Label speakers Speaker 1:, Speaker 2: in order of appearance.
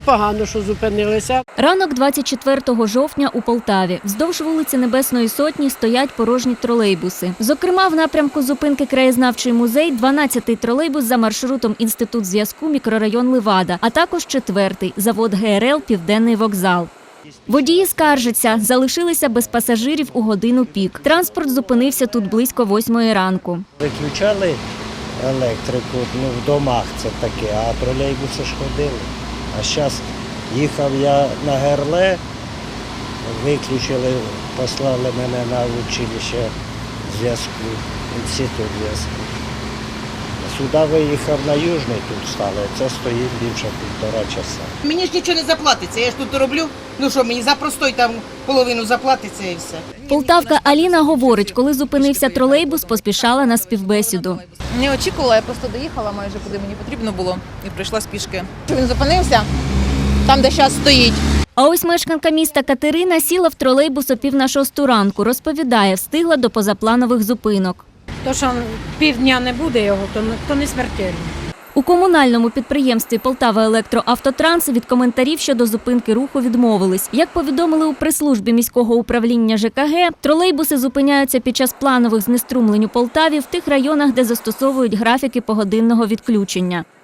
Speaker 1: Погано, що зупинилися.
Speaker 2: Ранок 24 жовтня у Полтаві. Вздовж вулиці Небесної Сотні стоять порожні тролейбуси. Зокрема, в напрямку зупинки Краєзнавчий музей 12-й тролейбус за маршрутом Інститут зв'язку, мікрорайон Левада, а також 4-й – завод ГРЛ «Південний вокзал». Водії скаржаться, залишилися без пасажирів у годину пік. Транспорт зупинився тут близько 8-ї ранку.
Speaker 3: Виключали електрику, в домах це таке, а тролейбуси ж ходили. А зараз їхав я на ГРЛ, виключили, послали мене на училище зв'язку, інститут зв'язку. Сюди виїхав на Южний, тут стали, це стоїть більше 1,5 часа.
Speaker 4: Мені ж нічого не заплатиться, я ж тут роблю. Ну що, мені за простой там половину заплатиться і все.
Speaker 2: Полтавка Аліна говорить, коли зупинився тролейбус, поспішала на співбесіду.
Speaker 5: Не очікувала, я просто доїхала майже куди мені потрібно було і прийшла з пішки. Він зупинився там, де зараз стоїть.
Speaker 2: А ось мешканка міста Катерина сіла в тролейбус о 5:30 ранку. Розповідає, встигла до позапланових зупинок.
Speaker 6: То, що півдня не буде його, то не смертельно.
Speaker 2: У комунальному підприємстві «Полтава-Електроавтотранс» від коментарів щодо зупинки руху відмовились. Як повідомили у прес-службі міського управління ЖКГ, тролейбуси зупиняються під час планових знеструмлень у Полтаві в тих районах, де застосовують графіки погодинного відключення.